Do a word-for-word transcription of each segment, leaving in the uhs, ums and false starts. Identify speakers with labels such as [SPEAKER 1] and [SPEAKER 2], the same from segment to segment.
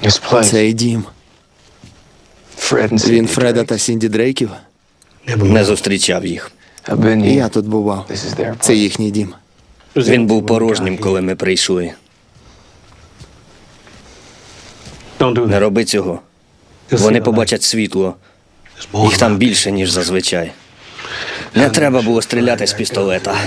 [SPEAKER 1] Цей дім. Він Фреда та Сінді Дрейків?
[SPEAKER 2] Не зустрічав їх.
[SPEAKER 1] Я тут бував. Це їхній дім.
[SPEAKER 2] Він був порожнім, коли ми прийшли. Не роби цього. Вони побачать світло. Їх там більше, ніж зазвичай. Не треба було стріляти з пістолета.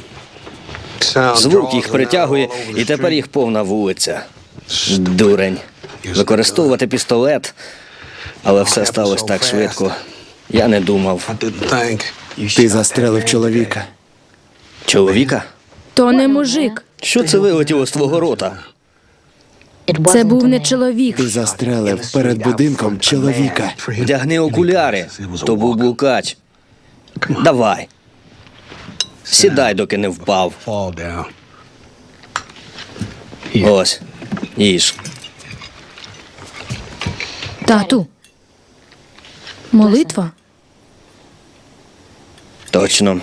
[SPEAKER 2] Звук їх притягує, і тепер їх повна вулиця. Дурень. Використовувати пістолет, але все сталося так швидко. Я не думав.
[SPEAKER 1] Ти застрелив чоловіка.
[SPEAKER 2] Чоловіка?
[SPEAKER 3] То не мужик.
[SPEAKER 2] Що це вилетіло з твого рота?
[SPEAKER 3] Це був не чоловік.
[SPEAKER 1] Ти застрелив перед будинком чоловіка.
[SPEAKER 2] Вдягни окуляри. То був блукач. Давай. Сідай, доки не впав. Ось. Їж.
[SPEAKER 3] Тату. Молитва?
[SPEAKER 2] Точно.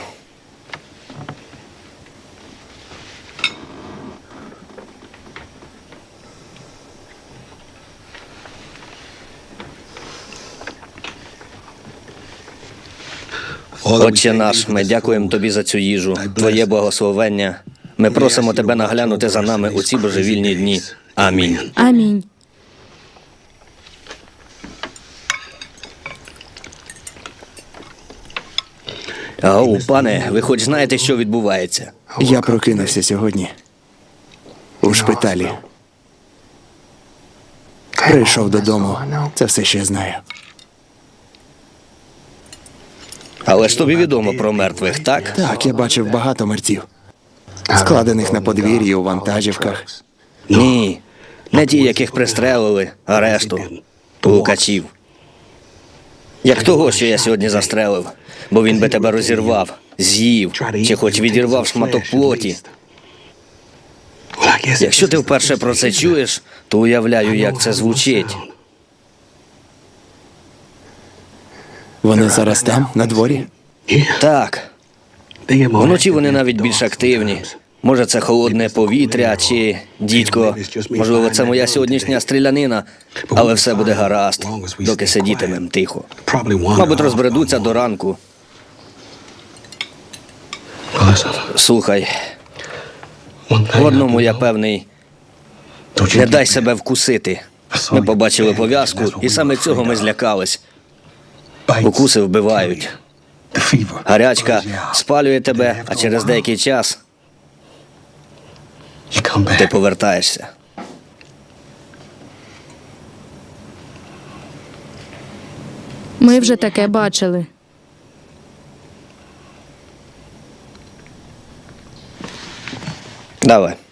[SPEAKER 2] Отче наш, ми дякуємо тобі за цю їжу, твоє благословення. Ми просимо тебе наглянути за нами у ці божевільні дні. Амінь.
[SPEAKER 3] Амінь.
[SPEAKER 2] Ау, пане, ви хоч знаєте, що відбувається?
[SPEAKER 1] Я прокинувся сьогодні. У шпиталі. Прийшов додому. Це все, що я знаю.
[SPEAKER 2] Але ж тобі відомо про мертвих, так?
[SPEAKER 1] Так, я бачив багато мерців. Складених на подвір'ї у вантажівках.
[SPEAKER 2] Ні. Не ті, яких пристрелили, а решту. Лукачів. Як того, що я сьогодні застрелив. Бо він би тебе розірвав, з'їв, чи хоч відірвав шматок плоті. Якщо ти вперше про це чуєш, то уявляю, як це звучить.
[SPEAKER 1] Вони зараз там, на дворі?
[SPEAKER 2] Так. Вночі вони навіть більш активні. Може, це холодне повітря, чи, дідько, можливо, це моя сьогоднішня стрілянина, але все буде гаразд, доки сидітимем тихо. Мабуть, розбредуться до ранку. Слухай, в одному я певний, не дай себе вкусити. Ми побачили пов'язку, і саме цього ми злякались. Укуси вбивають. Гарячка спалює тебе, а через деякий час ти повертаєшся.
[SPEAKER 3] Ми вже таке бачили.
[SPEAKER 2] Давай.